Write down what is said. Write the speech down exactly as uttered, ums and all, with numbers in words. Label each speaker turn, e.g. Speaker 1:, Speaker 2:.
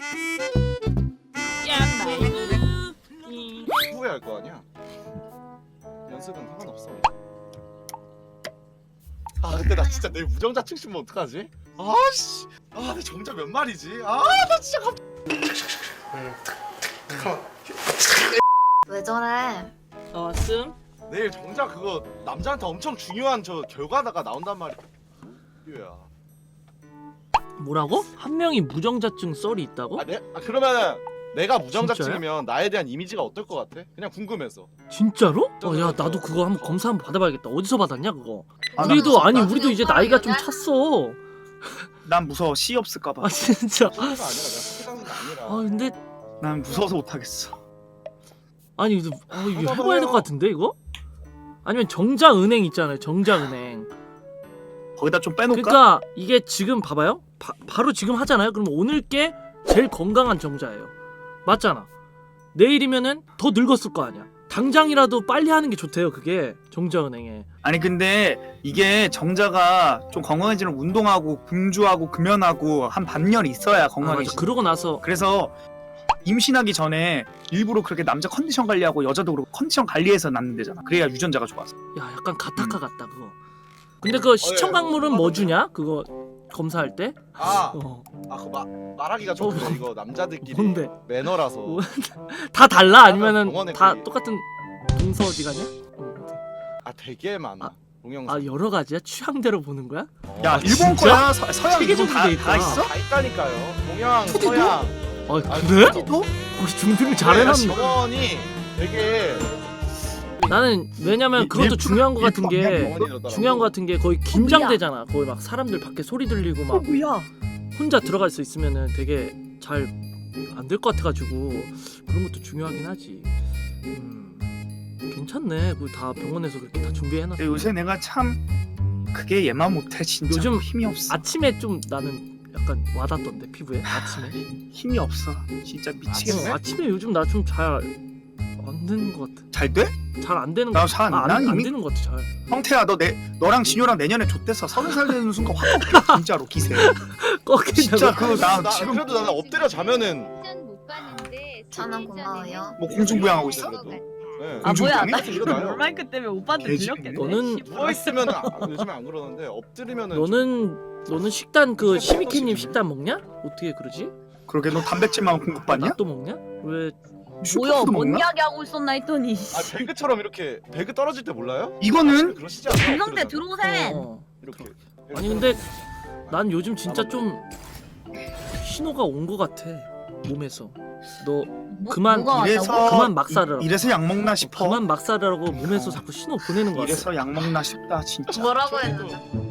Speaker 1: 후회할 거 아니야. 연습은 상관없어. 아 근데 나 진짜 내일 무정자층 심으면 어떡하지? 아씨, 아 내 정자 몇 마리지? 아 나 진짜 갑.
Speaker 2: 왜 저래?
Speaker 3: 나왔음?
Speaker 1: 내일 정자 그거 남자한테 엄청 중요한 저 결과다가 나온단 말이야. 유야.
Speaker 3: 뭐라고? 한 명이 무정자증 썰이 있다고?
Speaker 1: 아, 내, 아 그러면은 내가 무정자증이면 나에 대한 이미지가 어떨 것 같아? 그냥 궁금해서.
Speaker 3: 진짜로? 어, 야
Speaker 1: 저-
Speaker 3: 나도 그거 한번 검사 한번 받아봐야겠다. 어디서 받았냐 그거?
Speaker 4: 아,
Speaker 3: 우리도 아니
Speaker 2: 나도
Speaker 3: 우리도 이제
Speaker 2: 무서워,
Speaker 3: 나이가 좀
Speaker 2: 이러냐?
Speaker 3: 찼어.
Speaker 4: 난 무서워. 씨 없을까봐.
Speaker 3: 아 진짜.
Speaker 1: 소리가 아니라 내가 소리하는 게 아니라.
Speaker 3: 아 근데
Speaker 4: 난 무서워서 못하겠어.
Speaker 3: 아니 이거 아, 이거 해봐야 될 것 같은데 이거? 아니면 정자은행 있잖아요. 정자은행.
Speaker 4: 거기다 좀 빼놓을까?
Speaker 3: 그러니까 이게 지금 봐봐요. 바, 바로 지금 하잖아요. 그럼 오늘 게 제일 건강한 정자예요. 맞잖아. 내일이면은 더 늙었을 거 아니야. 당장이라도 빨리 하는 게 좋대요. 그게 정자은행에.
Speaker 4: 아니 근데 이게 정자가 좀 건강해지는 운동하고 금주하고 금연하고 한 반년 있어야
Speaker 3: 아, 맞아.
Speaker 4: 건강해지.
Speaker 3: 그러고 나서
Speaker 4: 그래서 임신하기 전에 일부러 그렇게 남자 컨디션 관리하고 여자도 그렇고 컨디션 관리해서 낳는 데잖아. 그래야 유전자가 좋아서.
Speaker 3: 야 약간 가타카
Speaker 4: 음.
Speaker 3: 같다 그거. 근데 그 시청 강물은 뭐 주냐? 그거 검사할 때?
Speaker 1: 아,
Speaker 3: 어.
Speaker 1: 아 그거 마, 말하기가 좀
Speaker 3: 어,
Speaker 1: 그래. 이거 남자들끼리
Speaker 3: 뭔데?
Speaker 1: 매너라서.
Speaker 3: 뭐? 다 달라? 아니면은
Speaker 1: 병원에
Speaker 3: 다
Speaker 1: 거기-
Speaker 3: 똑같은 동서지간이야? 어,
Speaker 1: 아 되게 많아.
Speaker 3: 아,
Speaker 1: 동영상.
Speaker 3: 아 여러 가지야? 취향대로 보는 거야?
Speaker 1: 어,
Speaker 4: 야
Speaker 3: 아,
Speaker 4: 일본
Speaker 3: 진짜?
Speaker 4: 거야 서, 서양
Speaker 3: 세계
Speaker 4: 일본 다,
Speaker 3: 정도 돼
Speaker 4: 다
Speaker 3: 있다.
Speaker 4: 있어?
Speaker 1: 다 있다니까요. 동양,
Speaker 4: 푸디도?
Speaker 1: 서양.
Speaker 3: 아
Speaker 1: 아,
Speaker 3: 그래?
Speaker 1: 푸디도?
Speaker 3: 거기 중등을 잘해놨네.
Speaker 1: 병원이 되게
Speaker 3: 나는 왜냐면
Speaker 4: 일-
Speaker 3: 그것도
Speaker 4: 일본-
Speaker 3: 중요한 거 같은
Speaker 4: 일본
Speaker 3: 게
Speaker 1: 병원이더라고.
Speaker 3: 중요한 거 같은 게 거의 긴장되잖아. 거의 막 사람들 밖에 소리 들리고 막
Speaker 4: 뭐야?
Speaker 3: 혼자 들어갈 수 있으면은 되게 잘 안 될 것 같아가지고 그런 것도 중요하긴 하지. 음, 괜찮네. 그 다 병원에서 그렇게 다 준비해놨어.
Speaker 4: 근데 요새 내가 참 그게 얘만 못해 진짜.
Speaker 3: 요즘
Speaker 4: 힘이 없어.
Speaker 3: 아침에 좀 나는 약간 와닿던데 피부에 아침에.
Speaker 4: 힘이 없어. 진짜 미치겠네.
Speaker 3: 어, 아침에 요즘 나 좀 잘 안 되는 것 같아.
Speaker 4: 잘 돼?
Speaker 3: 잘 안 되는 것
Speaker 4: 나
Speaker 3: 같아.
Speaker 4: 잘 안
Speaker 3: 아,
Speaker 4: 나
Speaker 3: 안, 안
Speaker 4: 이미.
Speaker 3: 되는 것 같아. 잘.
Speaker 4: 형태야 너 내 너랑 진효랑 내년에 좆돼서 서른 살 되는 순간 확 꺾여 진짜로 기세.
Speaker 3: 꺾인다고.
Speaker 4: 진짜 그 나
Speaker 1: 나
Speaker 4: 지금
Speaker 1: 그래도 나는 엎드려 자면은
Speaker 2: 저는 고마워요.
Speaker 4: 뭐 공중부양하고 있어?
Speaker 1: 네.
Speaker 5: 아 뭐야
Speaker 4: 공중부양해?
Speaker 5: 나 지금
Speaker 1: 일어나요.
Speaker 5: 롤마이크 때문에 오빠한테
Speaker 4: 돼지네.
Speaker 5: 들렸겠네.
Speaker 3: 너는
Speaker 1: 누워 있으면 요즘에 안 그러는데 엎드리면은
Speaker 3: 너는 너는 식단 그 시미케님 식단 먹냐? 어떻게 그러지?
Speaker 4: 그러게 너 단백질만 공급받냐?
Speaker 3: 나 또 먹냐? 왜?
Speaker 5: 뭐야
Speaker 4: 슈퍼푸드
Speaker 5: 뭔
Speaker 4: 먹나?
Speaker 5: 이야기 하고 있었나 했더니
Speaker 1: 아 배그처럼 이렇게 배그 떨어질 때 몰라요?
Speaker 4: 이거는
Speaker 1: 그러시지 않아요?
Speaker 5: 김성태
Speaker 1: 엎드리잖아.
Speaker 5: 들어오셈.
Speaker 3: 어.
Speaker 1: 이렇게.
Speaker 3: 아니 근데 난 요즘 진짜 좀 신호가 온 것 같아 몸에서. 너
Speaker 5: 뭐,
Speaker 3: 그만
Speaker 5: 뭐가
Speaker 4: 이래서
Speaker 5: 왔다고?
Speaker 3: 그만 막살을
Speaker 4: 이, 이래서 약 먹나 싶어.
Speaker 3: 그만 막살하라고 몸에서 자꾸 신호 보내는 거 같아.
Speaker 4: 이래서 약 먹나 싶다 진짜.
Speaker 2: 뭐라고 했는데?